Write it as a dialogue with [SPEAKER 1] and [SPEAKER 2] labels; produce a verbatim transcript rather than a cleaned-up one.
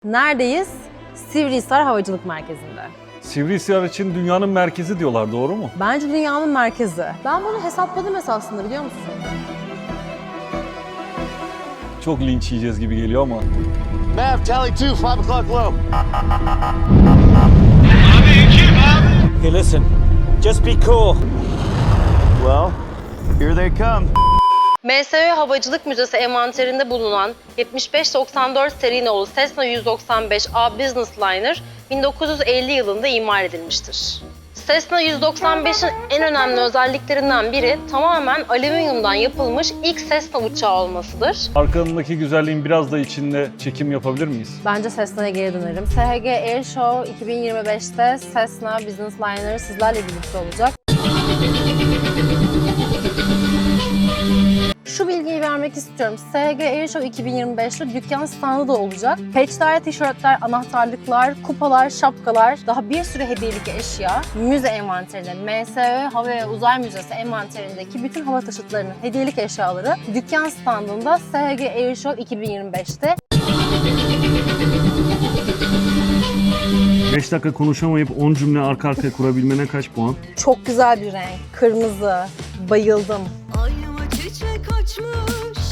[SPEAKER 1] Neredeyiz? Sivrihisar Havacılık Merkezi'nde.
[SPEAKER 2] Sivrihisar için dünyanın merkezi diyorlar, doğru mu?
[SPEAKER 1] Bence dünyanın merkezi. Ben bunu hesapladım esasında, biliyor musun?
[SPEAKER 2] Çok linç yiyeceğiz gibi geliyor ama.
[SPEAKER 3] Mav, tally two, five o'clock low.
[SPEAKER 4] Hey, listen. Just be cool.
[SPEAKER 3] Well, here they come.
[SPEAKER 1] M S Ö Havacılık Müzesi envanterinde bulunan yetmiş beş doksan dört seri nolu Cessna yüz doksan beş A Business Liner bin dokuz yüz elli yılında imal edilmiştir. Cessna yüz doksan beşin en önemli özelliklerinden biri tamamen alüminyumdan yapılmış ilk Cessna uçağı olmasıdır.
[SPEAKER 2] Arkanındaki güzelliğin biraz da içinde çekim yapabilir miyiz?
[SPEAKER 1] Bence Cessna'ya geri dönerim. S H G Air Show iki bin yirmi beşte Cessna Business Liner sizlerle birlikte olacak. Şu bilgiyi vermek istiyorum. S H G Air Show iki bin yirmi beşte dükkan standı da olacak. Patchler, tişörtler, anahtarlıklar, kupalar, şapkalar, daha bir sürü hediyelik eşya. Müze envanterinde, M S Ö Hava ve Uzay Müzesi envanterindeki bütün hava taşıtlarının hediyelik eşyaları dükkan standında S H G Air Show iki bin yirmi beşte.
[SPEAKER 5] beş dakika konuşamayıp on cümle arka arkaya kurabilmene kaç puan?
[SPEAKER 1] Çok güzel bir renk. Kırmızı. Bayıldım.
[SPEAKER 6] Ayva çiçek açmış